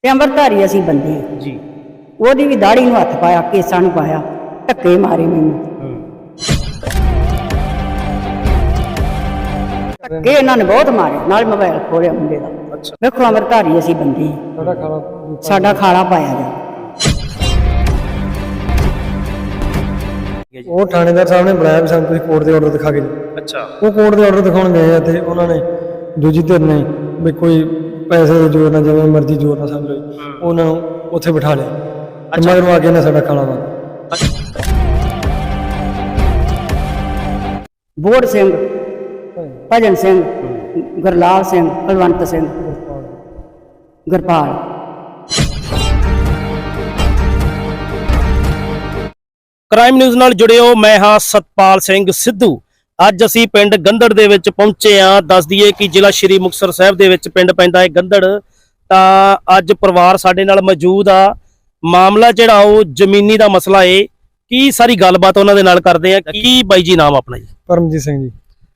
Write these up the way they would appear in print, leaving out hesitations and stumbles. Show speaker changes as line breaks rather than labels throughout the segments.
ਤੇ ਅੰਮ੍ਰਿਤਧਾਰੀ ਅਸੀਂ ਬੰਦੇ ਹਾਂ
ਜੀ।
ਉਹਦੀ ਵੀ ਦਾੜੀ ਨੂੰ ਹੱਥ ਪਾਇਆ, ਕੇਸਾਂ ਨੂੰ ਪਾਇਆ, ਧੱਕੇ ਮਾਰੇ ਮੈਨੂੰ। ਧੱਕੇ ਇਹਨਾਂ ਨੇ ਬਹੁਤ ਮਾਰੇ, ਨਾਲ ਮੋਬਾਈਲ ਖੋਲਿਆ ਮੁੰਡੇ ਦਾ।
ਅੱਛਾ।
ਵੇਖੋ ਅੰਮ੍ਰਿਤਧਾਰੀ ਅਸੀਂ ਬੰਦੇ ਹਾਂ, ਸਾਡਾ ਖਾਲਾ ਪਾਇਆ ਜਾ।
ਉਹ ਥਾਣੇਦਾਰ ਸਾਹਿਬ ਨੇ ਬੁਲਾਇਆ ਵੀ ਸਾਨੂੰ ਤੁਸੀਂ ਕੋਰਟ ਦੇ ਆਰਡਰ ਦਿਖਾ ਕੇ ਦਿਓ।
ਅੱਛਾ।
ਉਹ ਕੋਰਟ ਦੇ ਆਰਡਰ ਦਿਖਾਉਣ ਗਏ ਆ ਤੇ ਉਹਨਾਂ ਨੇ ਦੂਜੀ ਧਿਰ ਨੇ ਵੀ ਕੋਈ ਪੈਸੇ ਦੇ ਜ਼ੋਰ ਨਾਲ ਜਿਵੇਂ ਮਰਜ਼ੀ ਜ਼ੋਰ ਨਾਲ ਸਮਝ ਲਓ ਉਹਨਾਂ ਨੂੰ ਉੱਥੇ ਬਿਠਾ ਲਿਆ ਤੇ ਮਗਰੋਂ ਆ ਕੇ ਇਹਨਾਂ ਸਾਡਾ ਖਾਲਾ ਵਾ
ਬੋੜ ਸਿੰਘ, ਭਜਨ ਸਿੰਘ, ਗੁਰਲਾਲ ਸਿੰਘ, ਕੁਲਵੰਤ ਸਿੰਘ, ਗੁਰਪਾਲ।
ਕ੍ਰਾਈਮ ਨਿਊਜ਼ ਨਾਲ ਜੁੜਿਓ, ਮੈਂ ਹਾਂ ਸਤਪਾਲ ਸਿੰਘ ਸਿੱਧੂ। ਅੱਜ ਅਸੀਂ ਪਿੰਡ ਗੰਦੜ ਦੇ ਵਿੱਚ ਪਹੁੰਚੇ ਹਾਂ। ਦੱਸ ਦਈਏ ਕਿ ਜ਼ਿਲ੍ਹਾ ਸ਼੍ਰੀ ਮੁਕਤਸਰ ਸਾਹਿਬ ਦੇ ਵਿੱਚ ਪਿੰਡ ਪੈਂਦਾ ਹੈ ਗੰਦੜ। ਤਾਂ ਅੱਜ ਪਰਿਵਾਰ ਸਾਡੇ ਨਾਲ ਮੌਜੂਦ ਆ। ਮਾਮਲਾ ਜਿਹੜਾ ਉਹ ਜ਼ਮੀਨੀ ਦਾ ਮਸਲਾ ਏ। ਕੀ ਸਾਰੀ ਗੱਲਬਾਤ ਉਹਨਾਂ ਦੇ ਨਾਲ ਕਰਦੇ ਆ। ਕੀ ਬਾਈ ਜੀ ਨਾਮ ਆਪਣਾ ਜੀ?
ਪਰਮਜੀਤ ਸਿੰਘ ਜੀ।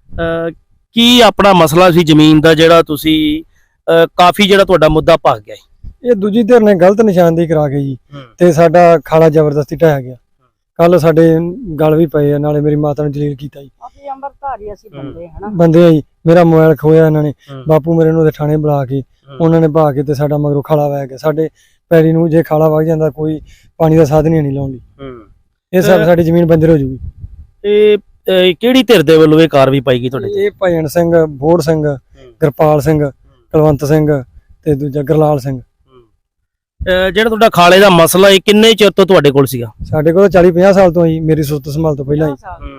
ਕੀ ਆਪਣਾ ਮਸਲਾ ਸੀ ਜ਼ਮੀਨ ਦਾ ਜਿਹੜਾ ਤੁਸੀਂ ਕਾਫੀ ਜਿਹੜਾ ਤੁਹਾਡਾ ਮੁੱਦਾ ਭੱਗ ਗਿਆ?
ਇਹ ਦੂਜੀ ਧਿਰ ਨੇ ਗਲਤ ਨਿਸ਼ਾਨਦੇਹੀ ਕਰਾ ਕੇ ਜੀ ਤੇ ਸਾਡਾ ਖਾਲਾ ਜ਼ਬਰਦਸਤੀ ਢਾਇਆ ਗਿਆ। ਕੱਲ ਸਾਡੇ ਗਲ ਵੀ ਪਏ ਆ, ਨਾਲੇ ਮੇਰੀ ਮਾਤਾ ਨੂੰ ਜਲੀਲ ਕੀਤਾ ਜੀ।
ਅਸੀਂ ਅੰਮ੍ਰਿਤਧਾਰੀ ਅਸੀਂ ਬੰਦੇ ਹਨਾ,
ਬੰਦੇ ਆ ਜੀ। ਮੇਰਾ ਮੋਬਾਈਲ ਖੋਇਆ ਇਹਨਾਂ ਨੇ, ਬਾਪੂ ਮੇਰੇ ਨੂੰ ਉਹਦੇ ਥਾਣੇ ਬੁਲਾ ਕੇ ਉਹਨਾਂ ਨੇ ਭਾ ਕੇ ਤੇ ਸਾਡਾ ਮਗਰੋਂ ਖਾਲਾ ਵਹਿ ਗਿਆ। ਸਾਡੇ ਪੈੜੀ ਨੂੰ ਜੇ ਖਾਲਾ ਵਗ ਜਾਂਦਾ ਕੋਈ ਪਾਣੀ ਦਾ ਸਾਧਨ ਹੀ ਨਹੀਂ ਲਾਉਣ ਲਈ। ਇਹ ਸਭ ਸਾਡੀ ਜ਼ਮੀਨ ਬੰਜਰ ਹੋ ਜੂਗੀ।
ਇਹ ਕਿਹੜੀ ਧਿਰ ਦੇ ਵੱਲੋਂ ਇਹ ਕਾਰਵਾਈ ਪਾਈ ਗਈ ਤੁਹਾਡੇ ਤੇ?
ਇਹ ਭਜਨ ਸਿੰਘ, ਬੋੜ ਸਿੰਘ, ਗੁਰਪਾਲ ਸਿੰਘ, ਕੁਲਵੰਤ ਸਿੰਘ ਤੇ ਦੂਜਾ ਗੁਰਲਾਲ ਸਿੰਘ।
ਜਿਹੜਾ ਤੁਹਾਡਾ ਖਾਲੇ ਦਾ ਮਸਲਾ ਇਹ ਕਿੰਨੇ ਚਿਰ ਤੋਂ ਤੁਹਾਡੇ ਕੋਲ ਸੀਗਾ?
ਸਾਡੇ ਕੋਲ 40-50 ਸਾਲ ਤੋਂ ਜੀ, ਮੇਰੀ ਸੁਰਤ ਸੰਭਾਲ ਤੋਂ ਪਹਿਲਾਂ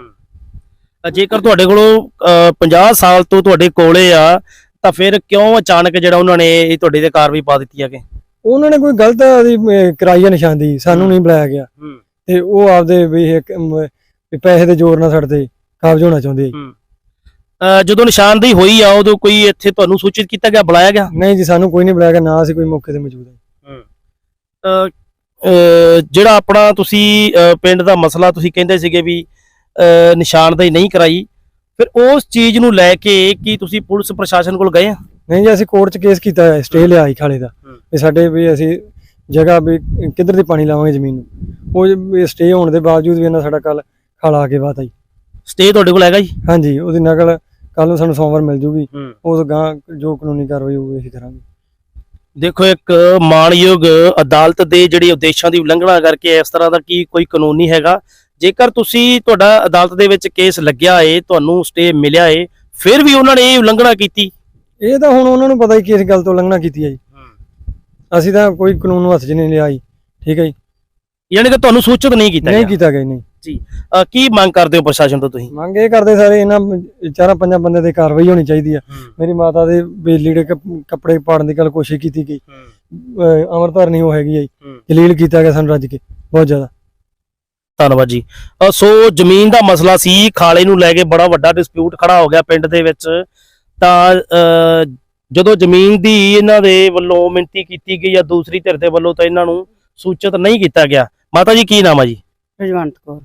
ਹੀ।
ਜੇਕਰ ਤੁਹਾਡੇ ਕੋਲੋਂ 50 ਸਾਲ ਤੋਂ ਤੁਹਾਡੇ ਕੋਲੇ ਆ ਤਾਂ ਫਿਰ ਕਿਉਂ ਅਚਾਨਕ ਜਿਹੜਾ ਉਹਨਾਂ ਨੇ ਇਹ ਤੁਹਾਡੇ ਤੇ ਕਾਰਵਾਈ ਪਾ ਦਿੱਤੀ ਆ? ਕਿ
ਉਹਨਾਂ ਨੇ ਕੋਈ ਗਲਤ ਕਰਾਈ ਆ ਨਿਸ਼ਾਨਦੀ, ਸਾਨੂੰ ਨਹੀਂ ਬੁਲਾਇਆ ਗਿਆ ਤੇ ਉਹ ਆਪਦੇ ਵੀ ਪੈਸੇ ਦੇ ਜ਼ੋਰ ਨਾਲ ਸਾਡੇ ਤੇ ਕਾਬਜ਼ ਹੋਣਾ ਚਾਹੁੰਦੇ ਆ।
ਜਦੋਂ ਨਿਸ਼ਾਨਦੇਹੀ ਹੋਈ ਆ ਉਦੋਂ ਕੋਈ ਇੱਥੇ ਤੁਹਾਨੂੰ ਸੂਚਿਤ ਕੀਤਾ ਗਿਆ, ਬੁਲਾਇਆ ਗਿਆ?
ਨਹੀਂ ਜੀ, ਸਾਨੂੰ ਕੋਈ ਨਹੀਂ ਬੁਲਾਇਆ ਗਿਆ, ਨਾ ਅਸੀਂ ਕੋਈ ਮੌਕੇ ਤੇ ਮੌਜੂਦ ਹਾਂ।
ਜਿਹੜਾ ਆਪਣਾ ਤੁਸੀਂ ਪਿੰਡ ਦਾ ਮਸਲਾ ਤੁਸੀਂ ਕਹਿੰਦੇ ਸੀਗੇ ਵੀ ਨਿਸ਼ਾਨਦੇਹੀ ਨਹੀਂ ਕਰਾਈ, ਫਿਰ ਉਸ ਚੀਜ਼ ਨੂੰ ਲੈ ਕੇ ਕੀ ਤੁਸੀਂ ਪੁਲਿਸ ਪ੍ਰਸ਼ਾਸਨ ਕੋਲ ਗਏ ਆ?
ਨਹੀਂ ਜੀ, ਅਸੀਂ ਕੋਰਟ 'ਚ ਕੇਸ ਕੀਤਾ ਹੈ, ਸਟੇ ਲਿਆ ਸੀ ਖਾਲੇ ਦਾ ਵੀ ਸਾਡੇ ਵੀ ਅਸੀਂ ਜਗ੍ਹਾ ਵੀ ਕਿੱਧਰ ਦੀ ਪਾਣੀ ਲਾਵਾਂਗੇ ਜ਼ਮੀਨ ਨੂੰ। ਉਹ ਸਟੇ ਹੋਣ ਦੇ ਬਾਵਜੂਦ ਵੀ ਇਹਨਾਂ ਸਾਡਾ ਕੱਲ ਖਾਲਾ ਆ ਕੇ ਬਾਤ ਆਈ।
ਸਟੇ ਤੁਹਾਡੇ ਕੋਲ ਹੈਗਾ ਜੀ?
ਹਾਂਜੀ, ਉਹਦੀ ਨਕਲ ਕੱਲ ਨੂੰ ਸਾਨੂੰ ਸੋਮਵਾਰ ਮਿਲ ਜੂਗੀ। ਉਹ ਗਾਂ ਜੋ ਕਾਨੂੰਨੀ ਕਾਰਵਾਈ ਹੋਊਗੀ ਅਸੀਂ ਕਰਾਂਗੇ।
ਦੇਖੋ, ਇੱਕ ਮਾਣਯੋਗ ਅਦਾਲਤ ਦੇ ਜਿਹੜੇ ਉਦੇਸ਼ਾਂ ਦੀ ਉਲੰਘਣਾ ਕਰਕੇ ਇਸ ਤਰ੍ਹਾਂ ਦਾ ਕੀ ਕੋਈ ਕਾਨੂੰਨ ਨਹੀਂ ਹੈਗਾ। ਜੇਕਰ ਤੁਸੀਂ ਤੁਹਾਡਾ ਅਦਾਲਤ ਦੇ ਵਿੱਚ ਕੇਸ ਲੱਗਿਆ ਏ, ਤੁਹਾਨੂੰ ਸਟੇ ਮਿਲਿਆ ਏ, ਫਿਰ ਵੀ ਉਹਨਾਂ ਨੇ ਇਹ ਉਲੰਘਣਾ ਕੀਤੀ,
ਇਹ ਤਾਂ ਹੁਣ ਉਹਨਾਂ ਨੂੰ ਪਤਾ ਹੀ ਕਿਸ ਗੱਲ ਤੋਂ ਉਲੰਘਣਾ ਕੀਤੀ ਹੈ ਜੀ। ਅਸੀਂ ਤਾਂ ਕੋਈ ਕਾਨੂੰਨ ਨੂੰ ਹੱਥ 'ਚ ਨਹੀਂ ਲਿਆ ਜੀ। ਠੀਕ ਹੈ ਜੀ,
ਯਾਨੀ ਕਿ ਤੁਹਾਨੂੰ ਸੂਚਿਤ ਨਹੀਂ ਕੀਤਾ
ਨਹੀਂ ਕੀਤਾ ਗਿਆ ਨਹੀਂ
ਜੀ। ਕੀ ਮੰਗ ਕਰਦੇ ਹੋ ਪ੍ਰਸ਼ਾਸਨ ਤੋਂ ਤੁਸੀਂ?
ਮੰਗ ਇਹ ਕਰਦੇ ਸਾਰੇ ਇਹਨਾਂ 4-5 ਬੰਦੇ ਤੇ ਕਾਰਵਾਈ ਹੋਣੀ ਚਾਹੀਦੀ ਆ। ਮੇਰੀ ਮਾਤਾ ਦੇ ਲੀੜੇ ਕੱਪੜੇ ਪਾੜਨ ਦੀ ਗੱਲ ਕੋਸ਼ਿਸ਼ ਕੀਤੀ ਗਈ, ਅੰਮ੍ਰਿਤਧਾਰ ਨਹੀਂ ਉਹ ਹੈਗੀ ਜੀ, ਜਲੀਲ ਕੀਤਾ ਗਿਆ ਸਾਨੂੰ ਰੱਜ ਕੇ ਬਹੁਤ ਜ਼ਿਆਦਾ।
ਧੰਨਵਾਦ ਜੀ। ਸੋ ਜ਼ਮੀਨ ਦਾ ਮਸਲਾ ਸੀ, ਖਾਲੇ ਨੂੰ ਲੈ ਕੇ ਬੜਾ ਵੱਡਾ ਡਿਸਪਿਊਟ ਖੜਾ ਹੋ ਗਿਆ ਪਿੰਡ ਦੇ ਵਿੱਚ। ਤਾਂ ਜਦੋਂ ਜ਼ਮੀਨ ਦੀ ਇਹਨਾਂ ਦੇ ਵੱਲੋਂ ਮਿਣਤੀ ਕੀਤੀ ਗਈ ਜਾਂ ਦੂਸਰੀ ਧਿਰ ਦੇ ਵੱਲੋਂ, ਤਾਂ ਇਹਨਾਂ ਨੂੰ ਸੂਚਿਤ ਨਹੀਂ ਕੀਤਾ ਗਿਆ। ਮਾਤਾ ਜੀ ਕੀ ਨਾਮ ਆ ਜੀ?
ਰਜਵੰਤ ਕੌਰ।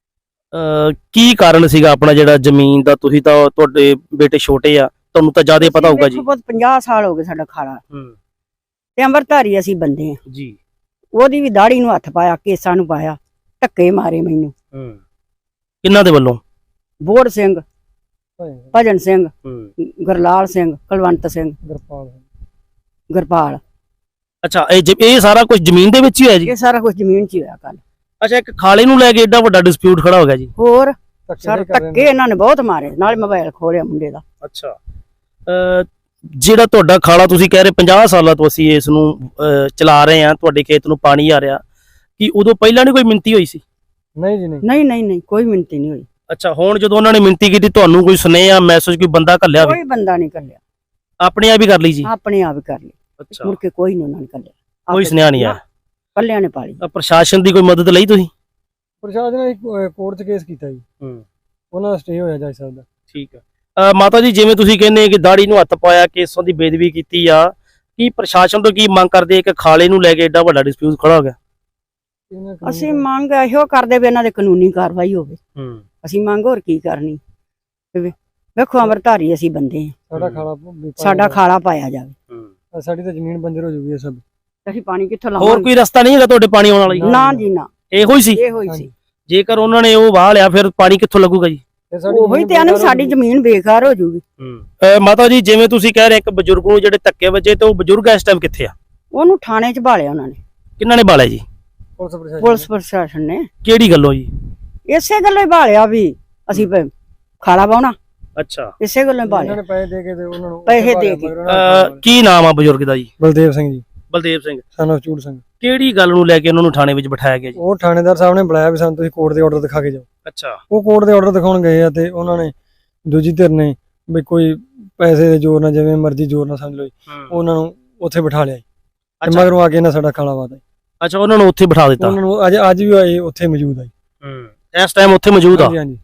ਕੀ ਕਾਰਨ ਸੀਗਾ ਆਪਣਾ ਜਿਹੜਾ ਜ਼ਮੀਨ ਦਾ? ਤੁਸੀਂ ਤਾਂ ਤੁਹਾਡੇ ਬੇਟੇ ਛੋਟੇ ਆ, ਤੁਹਾਨੂੰ ਤਾਂ ਜ਼ਿਆਦਾ ਪਤਾ ਹੋਊਗਾ ਜੀ।
50 ਸਾਲ ਹੋ ਗਏ ਸਾਡਾ ਖਾਲਾ ਤੇ ਅੰਮ੍ਰਿਤਧਾਰੀ ਅਸੀਂ ਬੰਦੇ ਹਾਂ
ਜੀ।
ਉਹਦੀ ਵੀ ਦਾੜੀ ਨੂੰ ਹੱਥ ਪਾਇਆ, ਕੇਸਾਂ ਨੂੰ ਪਾਇਆ, ਧੱਕੇ ਮਾਰੇ ਮੈਨੂੰ।
ਕਿਹਨਾਂ ਦੇ ਵੱਲੋਂ?
ਬੋੜ ਸਿੰਘ, ਭਜਨ ਸਿੰਘ, ਗੁਰਲਾਲ ਸਿੰਘ, ਕੁਲਵੰਤ ਸਿੰਘ, ਗੁਰਪਾਲ।
ਅੱਛਾ, ਇਹ ਸਾਰਾ ਕੁਝ ਜ਼ਮੀਨ ਦੇ ਵਿੱਚ ਹੀ ਹੋਇਆ ਜੀ?
ਇਹ ਸਾਰਾ ਕੁਝ ਜ਼ਮੀਨ 'ਚ ਹੀ ਹੋਇਆ ਕੱਲ।
ਅੱਛਾ, ਇੱਕ ਖਾਲੇ ਨੂੰ ਲੈ ਕੇ ਏਡਾ ਵੱਡਾ ਡਿਸਪਿਊਟ ਖੜਾ ਹੋ ਗਿਆ ਜੀ?
ਹੋਰ ਸਰ ਧੱਕੇ ਇਹਨਾਂ ਨੇ ਬਹੁਤ ਮਾਰੇ, ਨਾਲ ਮੋਬਾਈਲ ਖੋਲਿਆ ਮੁੰਡੇ ਦਾ।
ਅੱਛਾ, ਜਿਹੜਾ ਤੁਹਾਡਾ ਖਾਲਾ ਤੁਸੀਂ ਕਹਿ ਰਹੇ 50 ਸਾਲਾਂ ਤੋਂ ਅਸੀਂ ਇਸ ਨੂੰ ਚਲਾ ਰਹੇ ਆ, ਤੁਹਾਡੇ ਖੇਤ ਨੂੰ ਪਾਣੀ ਆ ਰਿਹਾ, ਕੀ ਉਦੋਂ ਪਹਿਲਾਂ ਨਹੀਂ ਕੋਈ ਮਿੰਤੀ ਹੋਈ ਸੀ?
ਨਹੀਂ ਜੀ,
ਨਹੀਂ ਕੋਈ ਮਿੰਤੀ ਨਹੀਂ ਹੋਈ।
ਅੱਛਾ, ਹੁਣ ਜਦੋਂ ਉਹਨਾਂ ਨੇ ਮਿੰਤੀ ਕੀਤੀ, ਤੁਹਾਨੂੰ ਕੋਈ ਸੁਨੇਹਾ ਮੈਸੇਜ ਕੋਈ ਬੰਦਾ ਘੱਲਿਆ?
ਕੋਈ ਬੰਦਾ ਨਹੀਂ ਘੱਲਿਆ,
ਆਪਣੇ ਆਪ ਹੀ ਕਰ ਲਈ ਜੀ?
ਆਪਣੇ ਆਪ ਹੀ ਕਰ ਲਈ।
ਅੱਛਾ,
ਮੁੜ ਕੇ ਕੋਈ ਨਹੀਂ ਉਹਨਾਂ ਨੇ ਘੱਲਿਆ,
ਕੋਈ ਸੁਨੇਹਾ ਨਹੀਂ ਆਇਆ?
ਪੱਲਿਆਂ ਨੇ ਪਾਲੀ।
ਪ੍ਰਸ਼ਾਸਨ ਦੀ ਕੋਈ ਮਦਦ ਲਈ ਤੁਸੀਂ?
ਪ੍ਰਸ਼ਾਸਨ ਨੇ ਕੋਰਟ 'ਚ ਕੇਸ ਕੀਤਾ ਜੀ, ਉਹਨਾਂ ਦਾ ਸਟੇ ਹੋਇਆ ਜੱਜ ਸਾਹਿਬ ਦਾ।
ਠੀਕ ਆ। ਮਾਤਾ ਜੀ, ਜਿਵੇਂ ਤੁਸੀਂ ਕਹਿੰਦੇ ਕਿ ਦਾੜੀ ਨੂੰ ਹੱਥ ਪਾਇਆ, ਕੇਸਾਂ ਦੀ ਬੇਦਬੀ ਕੀਤੀ ਆ, ਕੀ ਪ੍ਰਸ਼ਾਸਨ ਤੋਂ ਕੀ ਮੰਗ ਕਰਦੇ ਕਿ ਖਾਲੇ ਨੂੰ ਲੈ ਕੇ ਏਡਾ ਵੱਡਾ ਡਿਸਪਿਊਟ ਖੜਾ ਹੋ ਗਿਆ?
ਅਸੀਂ ਮੰਗ ਇਹੋ ਕਰਦੇ ਵੀ ਇਹਨਾਂ ਦੇ ਕਾਨੂੰਨੀ ਕਾਰਵਾਈ ਹੋਵੇ। ਅਸੀਂ ਮੰਗ ਹੋਰ ਕੀ ਕਰਨੀ? ਵੇਖੋ ਅੰਮ੍ਰਿਤਧਾਰੀ ਅਸੀਂ ਬੰਦੇ ਹਾਂ, ਸਾਡਾ ਖਾਲਾ ਪਾਇਆ ਜਾਵੇ।
ਸਾਡੀ ਤਾਂ ਜ਼ਮੀਨ ਬੰਜਰ ਹੋ ਜੂਗੀ ਇਹ ਸਭ।
ਅਸੀਂ ਪਾਣੀ ਕਿੱਥੋਂ
ਹੋਰ
ਲਾਵਾਂਗੇ?
ਕੋਈ ਰਸਤਾ ਨਹੀਂ ਹੈਗਾ ਤੁਹਾਡੇ ਪਾਣੀ ਆਉਣ ਵਾਲਾ ਜੀ?
ਨਾ ਜੀ ਨਾ,
ਇਹੋ ਹੀ ਸੀ।
ਇਹੋ ਹੀ ਸੀ।
ਜੇਕਰ ਉਹਨਾਂ ਨੇ ਉਹ ਵਾਹ ਲਿਆ ਫਿਰ ਪਾਣੀ ਕਿੱਥੋਂ ਲੱਗੂਗਾ ਜੀ?
ਉਹੀ ਤੇ ਆਨੇ ਸਾਡੀ ਜ਼ਮੀਨ ਬੇਕਾਰ ਹੋ ਜੂਗੀ।
ਮਾਤਾ ਜੀ ਜਿਵੇਂ ਤੁਸੀਂ ਕਹਿ ਰਹੇ ਇੱਕ ਬਜ਼ੁਰਗ ਨੂੰ ਜਿਹੜੇ ਧੱਕੇ ਵੱਜੇ ਤੇ ਉਹ ਬਜ਼ੁਰਗ ਇਸ ਟਾਈਮ ਕਿੱਥੇ ਆ?
ਉਹਨੂੰ ਥਾਣੇ 'ਚ ਭਾਲਿਆ ਉਹਨਾਂ ਨੇ।
ਕਿੰਨਾਂ ਨੇ ਬਾਲਿਆ ਜੀ?
ਪੁਲਿਸ ਪ੍ਰਸ਼ਾਸਨ ਨੇ।
ਕਿਹੜੀ ਗੱਲੋਂ ਜੀ?
ਇਸੇ ਗੱਲੋਂ ਹੀ ਭਾਲਿਆ ਵੀ ਅਸੀਂ ਖਾਲਾ ਪਾਉਣਾ,
ਅੱਛਾ,
ਇਸੇ ਗੱਲੋਂ ਹੀ ਭਾਲਿਆ।
ਪੈਸੇ ਦੇ ਕੇ ਤੇ ਉਹਨਾਂ ਨੂੰ
ਪੈਸੇ ਦੇ ਕੇ।
ਕੀ ਨਾਮ ਆ ਬਜ਼ੁਰਗ ਦਾ ਜੀ?
ਬਲਦੇਵ ਸਿੰਘ ਜੀ,
ਬਲਦੇਵ ਸਿੰਘ।
Son of Chur Singh.
ਕਿਹੜੀ ਗੱਲ ਨੂੰ ਲੈ ਕੇ ਉਹਨਾਂ ਨੂੰ ਥਾਣੇ ਵਿੱਚ ਬਿਠਾਇਆ ਗਿਆ ਜੀ?
ਉਹ ਥਾਣੇਦਾਰ ਸਾਹਿਬ ਨੇ ਬੁਲਾਇਆ ਵੀ ਸਾਨੂੰ ਤੁਸੀਂ ਕੋਰਟ ਦੇ ਆਰਡਰ ਦਿਖਾ ਕੇ ਜਾਓ।
ਅੱਛਾ,
ਉਹ ਕੋਰਟ ਦੇ ਆਰਡਰ ਦਿਖਾਉਣ ਗਏ ਆ ਤੇ ਉਹਨਾਂ ਨੇ ਦੂਜੀ ਧਿਰ ਨੇ ਵੀ ਕੋਈ ਪੈਸੇ ਦੇ ਜ਼ੋਰ ਨਾਲ ਜਿਵੇਂ ਮਰਜ਼ੀ ਜ਼ੋਰ ਨਾਲ ਸਮਝ ਲਓ ਉਹਨਾਂ ਨੂੰ ਉੱਥੇ ਬਿਠਾ ਲਿਆ ਤੇ ਮਗਰੋਂ ਆ ਕੇ ਇਹਨਾਂ ਸਾਡਾ ਖਾਲਾ ਵਾਦਾ।
ਅੱਛਾ, ਉਹਨਾਂ ਨੂੰ ਉੱਥੇ ਬਿਠਾ ਦਿੱਤਾ।
ਉਹਨਾਂ ਨੂੰ ਅੱਜ ਵੀ ਆਏ ਉੱਥੇ ਮੌਜੂਦ ਆ।
ਇਸ ਟਾਈਮ ਉੱਥੇ ਮੌਜੂਦ ਆ।
ਹਾਂਜੀ ਹਾਂਜੀ।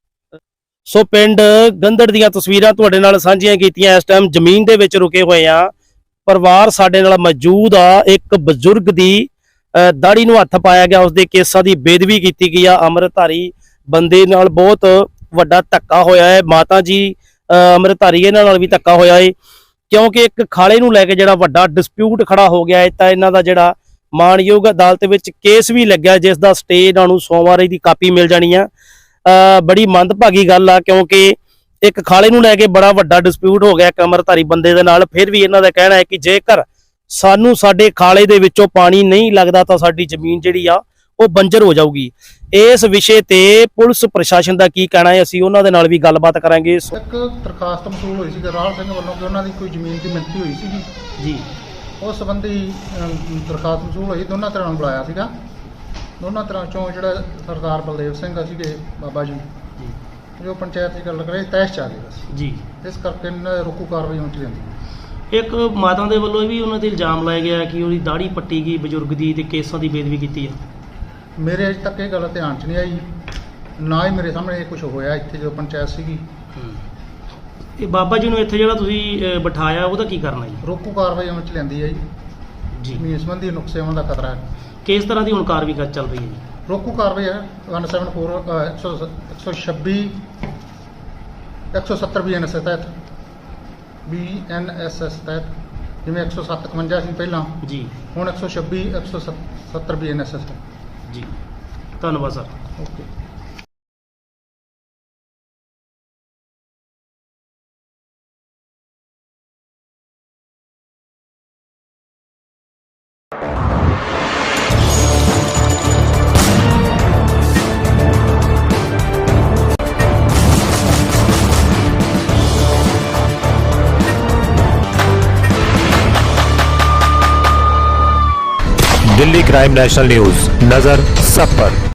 ਸੋ ਪਿੰਡ ਗੰਦੜ ਦੀਆਂ ਤਸਵੀਰਾਂ ਤੁਹਾਡੇ ਨਾਲ ਸਾਂਝੀਆਂ ਕੀਤੀਆਂ। ਇਸ ਟਾਈਮ ਜ਼ਮੀਨ ਦੇ ਵਿੱਚ ਰੁਕੇ ਹੋਏ ਆ। ਪਰਿਵਾਰ ਸਾਡੇ ਨਾਲ ਮੌਜੂਦ ਆ। ਇੱਕ ਬਜ਼ੁਰਗ ਦੀ ਦਾੜੀ ਨੂੰ ਹੱਥ ਪਾਇਆ ਗਿਆ, ਉਸਦੇ ਕੇਸਾਂ ਦੀ ਬੇਦਬੀ ਕੀਤੀ ਗਈ ਆ। ਅੰਮ੍ਰਿਤਧਾਰੀ ਬੰਦੇ ਨਾਲ ਬਹੁਤ ਵੱਡਾ ਧੱਕਾ ਹੋਇਆ ਹੈ। ਮਾਤਾ ਜੀ ਅੰਮ੍ਰਿਤਧਾਰੀ ਇਹਨਾਂ ਨਾਲ ਵੀ ਧੱਕਾ ਹੋਇਆ ਹੈ, ਕਿਉਂਕਿ ਇੱਕ ਖਾਲੇ ਨੂੰ ਲੈ ਕੇ ਜਿਹੜਾ ਵੱਡਾ ਡਿਸਪਿਊਟ ਖੜਾ ਹੋ ਗਿਆ ਹੈ। ਤਾਂ ਇਹਨਾਂ ਦਾ ਜਿਹੜਾ ਮਾਣਯੋਗ ਅਦਾਲਤ ਵਿੱਚ ਕੇਸ ਵੀ ਲੱਗਿਆ, ਜਿਸ ਦਾ ਸਟੇ ਇਹਨਾਂ ਨੂੰ ਸੋਮਵਾਰ ਦੀ ਕਾਪੀ ਮਿਲ ਜਾਣੀ ਆ। ਬੜੀ ਮੰਦਭਾਗੀ ਗੱਲ ਆ, ਕਿਉਂਕਿ ਇੱਕ ਖਾਲੇ ਨੂੰ ਲੈ ਕੇ ਬੜਾ ਵੱਡਾ ਡਿਸਪਿਊਟ ਹੋ ਗਿਆ ਇੱਕ ਅੰਮ੍ਰਿਤਧਾਰੀ ਬੰਦੇ ਦੇ ਨਾਲ। ਫਿਰ ਵੀ ਇਹਨਾਂ ਦਾ ਕਹਿਣਾ ਹੈ ਕਿ ਜੇਕਰ ਸਾਨੂੰ ਸਾਡੇ ਖਾਲੇ ਦੇ ਵਿੱਚੋਂ ਪਾਣੀ ਨਹੀਂ ਲੱਗਦਾ ਤਾਂ ਸਾਡੀ ਜ਼ਮੀਨ ਜਿਹੜੀ ਆ ਉਹ ਬੰਜਰ ਹੋ ਜਾਊਗੀ। ਇਸ ਵਿਸ਼ੇ ਤੇ ਪੁਲਿਸ ਪ੍ਰਸ਼ਾਸਨ ਦਾ ਕੀ ਕਹਿਣਾ ਹੈ, ਅਸੀਂ ਉਹਨਾਂ ਦੇ ਨਾਲ ਵੀ ਗੱਲਬਾਤ ਕਰਾਂਗੇ।
ਇੱਕ ਦਰਖਾਸਤ ਮਸੂਲ ਹੋਈ ਸੀ ਰਾਹੁਲ ਸਿੰਘ ਵੱਲੋਂ ਕਿ ਉਹਨਾਂ ਦੀ ਕੋਈ ਜ਼ਮੀਨ ਦੀ ਮਿਣਤੀ ਹੋਈ ਸੀਗੀ
ਜੀ।
ਉਸ ਸੰਬੰਧੀ ਦਰਖਾਸਤ ਮਸੂਲ ਹੋਈ, ਦੋਨਾਂ ਤਰ੍ਹਾਂ ਨੂੰ ਬੁਲਾਇਆ ਸੀਗਾ। ਦੋਨਾਂ ਤਰ੍ਹਾਂ ਚੋਂ ਜਿਹੜਾ ਸਰਦਾਰ ਬਲਦੇਵ ਸਿੰਘ ਸੀਗੇ ਬਾਬਾ ਜੀ, ਜੋ ਪੰਚਾਇਤ ਦੀ ਗੱਲ ਕਰੇ ਤੈਸ਼ ਚ ਆ ਗਏ ਬਸ
ਜੀ।
ਇਸ ਕਰਕੇ ਇਹਨਾਂ ਨੇ ਰੋਕੂ ਕਾਰਵਾਈ ਹੋਣੀ ਚਾਹੀਦੀ।
ਇੱਕ ਮਾਤਾ ਦੇ ਵੱਲੋਂ ਵੀ ਉਹਨਾਂ ਤੇ ਇਲਜ਼ਾਮ ਲਾਇਆ ਗਿਆ ਕਿ ਉਹਦੀ ਦਾੜੀ ਪੱਟੀ ਗਈ ਬਜ਼ੁਰਗ ਦੀ ਤੇ ਕੇਸਾਂ ਦੀ ਬੇਦਬੀ ਕੀਤੀ ਆ।
ਮੇਰੇ ਅਜੇ ਤੱਕ ਇਹ ਗੱਲ ਧਿਆਨ 'ਚ ਨਹੀਂ ਆਈ, ਨਾ ਹੀ ਮੇਰੇ ਸਾਹਮਣੇ ਇਹ ਕੁਝ ਹੋਇਆ ਇੱਥੇ ਜਦੋਂ ਪੰਚਾਇਤ ਸੀਗੀ।
ਇਹ ਬਾਬਾ ਜੀ ਨੂੰ ਇੱਥੇ ਜਿਹੜਾ ਤੁਸੀਂ ਬਿਠਾਇਆ ਉਹਦਾ ਕੀ ਕਰਨਾ ਜੀ?
ਰੋਕੂ ਕਾਰਵਾਈ ਹੋਣੀ ਚ ਲੈਂਦੀ ਹੈ ਜੀ। ਜ਼ਮੀਨ ਸੰਬੰਧੀ ਨੁਕਸਾਨ ਦਾ ਖਤਰਾ ਹੈ।
ਕਿਸ ਤਰ੍ਹਾਂ ਦੀ ਹੁਣ ਕਾਰਵਾਈ ਚੱਲ ਰਹੀ ਹੈ ਜੀ?
ਰੋਕੂ ਕਾਰਵਾਈ ਹੈ 174 126 170 BNSS ਤਹਿਤ BNSS ਤਹਿਤ, ਜਿਵੇਂ 157 ਸੀ ਪਹਿਲਾਂ
ਜੀ,
ਹੁਣ 126 170 BNSS ਹੈ
ਜੀ। ਧੰਨਵਾਦ sir.
Okay.
Delhi crime national news, नजर सब पर।